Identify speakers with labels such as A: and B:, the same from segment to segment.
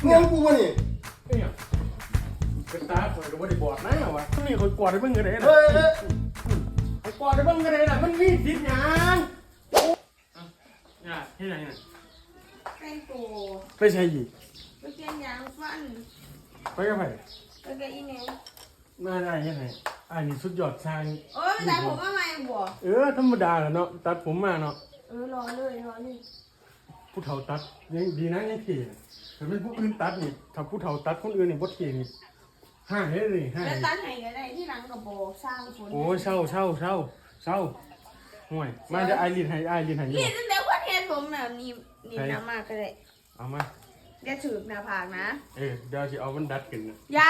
A: เงี้ยกูวะนี่
B: เนี่ยเป็นตาข่อยก็บ่ได้บอดนะวะนี่ข่อยกอดได้เบิ่งก็ได้นะ
A: เฮ้ย
B: ข่อยกอดได้เบิ่งก็ได้น่ะมันมีสิทธิ์หยังเนี่ยเฮ็ดหยังเนี่ย
C: แต่งตัว
B: ไปใช่อีก
C: ไปเปลี่ยนยางฟัน
B: ไปกับไผ
C: ไปกับอีเมล
B: มาได้เฮ็ดให้อันนี้สุดยอดชาย
C: โอ้ยแต่ผมว่าไม่บ่
B: ธรรมดาแหละเนาะตัดผมมาเนาะ
C: รอเลยรอเลย
B: ผู้เฒ่าตัดยังดีนะยังเท่ถ้าเป็นผู้อื่นตัดนี่ถ้าผู้เฒ่าตัดคนอื่นนี่บ่เท่นี่ห้าเฮ็ดเลยห้า
C: แล้วตัดให้ก็ได้ที่หลังกับโบสร้างฝน
B: โอ้ยเศร้าห่วยมาเดี๋ยวไอรีนให้อยู่
C: นี่ตั้งแต่วันเห็นผมแบบนี้นี่น้ำมากก็ได้
B: เอามา
C: อย่าถือหน้าผากนะ
B: เดี๋ยวสิเอามันดัดกันนะ
C: อย่า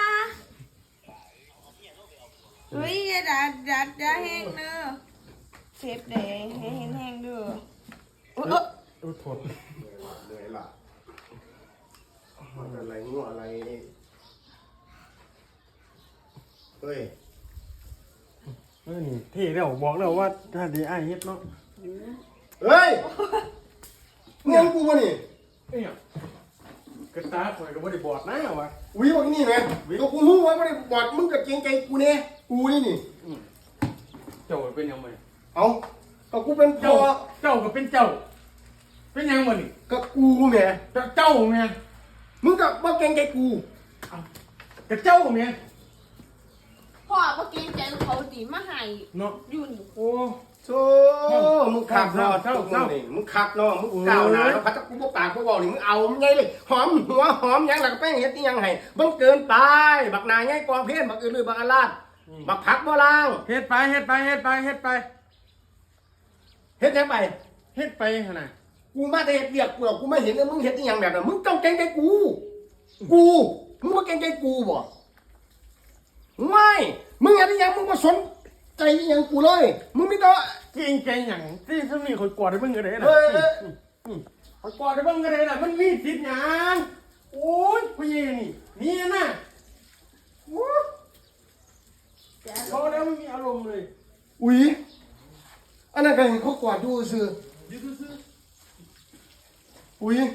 C: เฮ้ยอย่าดัดอย่าแห้งเด้อเซฟเด้ให้เห็นแห้งเด้อโอ้
B: โทษ
A: เหนื่อยละมันอะไรงัวอะไรเฮ้ย
B: นี่เท่แล้วบอกแล้วว่าถ้าดีไอเฮ็ดเนาะ
A: เฮ้ยเงี้ยกูวะนี่
B: เนี่ยกระตาข่อยก็บ่ได้บอดนะวะ
A: อุ้ยวันนี้แม่ก็กูรู้ว่าไม่ได้บอดมึงกับเกรงใจกูเนี่ยกูนี่
B: เจ้าเป็นยังไง
A: เอาก็กูเป็นพ่อ
B: เจ้าก็เป็นเจ้า เป็นยังบ่นี่
A: ก็กูแม่
B: เจ้าแม่
A: มึงกับว่าเกรงใจกู
B: กระเจ้าแม่
C: พ่อเมื่อกี้ใจเขาตีมาให้
B: เนาะ
C: ยุ่น
B: โอ้
A: โธ่มึงขับเนาะนี่มึงขับเนาะมึงก้าวหน้าแล้วพัดกูบ่ปากกูบอกนี่มึงเอาไงเลยหอมหัวหอมยังหลักแป้งเฮ็ดนี่ยังไงบังเกินไปบักนายไงกองเพศบักอื่นเลยบักอาลาดบักผักบ่ล่าง
B: เฮ็ดไป
A: เฮ็ดยังไป
B: เฮ็ดไปขนาด
A: กูมาแต่เฮ็ดเรียกกูหรอกกูไม่เห็นว่ามึงเฮ็ดนี่ยังแบบนั้นมึงต้องเกรงใจกูมึงบ่เกรงใจกูบ่ไม่มึงเฮ็ดนี่ยังมึงบ่สนใจยังกูเลยมึงไม่ต้อง
B: เก่งใจหยังที่ถ้ามีข่อยกอดได้เบิ่งก็ได้นะ
A: เฮ้ย
B: ข่อยกอดได้เบิ่งก็ได้น่ะมันมีสิทธิ์หยังโอ้ยผู้หญิงนี่นะโอ้เขาแล้วไม่มีอารมณ์เลย
A: อุ๊ยอันนั้นก็เห็นเขากวาดดูซื่อ
B: ยืดซื้อ
A: อุ๊ย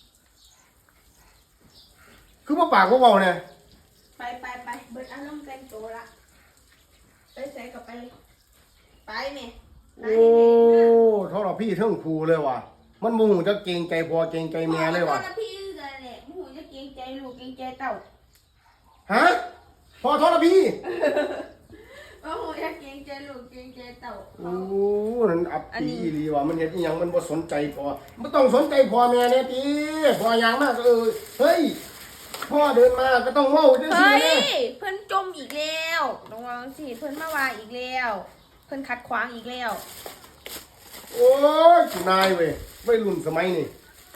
A: คือบ่ปากบ่เว้าเนี่ย
C: ไปเบิดอารมณ์แต่งตัวละไปใส่กับไปไปแม่
A: โอ้เท่าเราพี่เท่งครูเลยว่ะมันโมโหจะเกรงใจพอเกรงใจแม่เลยว่ะ
C: พ่อพี่เลยแหละหมูจะเกรงใจลูกเกรงใจเต่า
A: ฮะพอเท่าเราพี่
C: โอ้โหจะเกรงใจลูกเกรงใจเต่า
A: โอ้นั่นอับปีอีหลีว่ะมันเห็นอีหยังมันบ่สนใจพอมันต้องสนใจพ่อแม่เนี่ยติพ่อหยังมากเฮ้ยพ่อเดินมาก็ต้องเว้าจังซี่
C: เฮ้ย
A: นะ
C: เพิ่นจมอีกแล้วระวังสิเพิ่นมาวางอีกแล้วเพิ่นขัดขวางอีกแล้ว
A: โอ้ยนายเว้ยวัยรุ่นสมัยนี้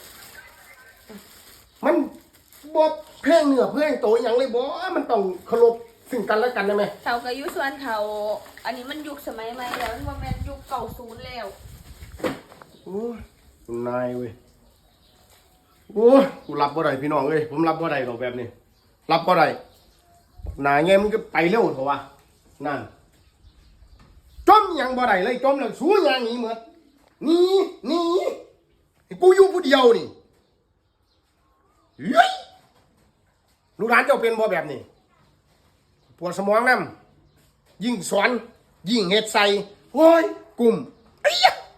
A: มันบ่แพงเนื้อแพงโตอหยังเลยบ่มันต้องเคารพซึ่งกันและกันได้ไหม
C: เต่ากับยุส่วนเขาอันนี้มันยุคสมัยใหม่แล้วมันบ่แม่นยุคเก่าศูนย์แล้ว
A: โอ้ยนายเว้ยโอ้ยกูรับบ่ได้พี่น้องเอ้ยผมรับบ่ได้ดอกแบบนี้รับบ่ได้นายไงมันก็ไปเร็วเถอะวะนั่นจมยังบ่ได้เลยจมแล้วสู้ยังหนีหมดหนีให้กูอยู่ผู้เดียวนี่เฮ้ยลูกหลานเจ้าเป็นบ่แบบนี้ปวดสมองนำยิ่งสอนยิ่งเฮ็ดใส่โอ้ยกลุ่มไอ้ยะ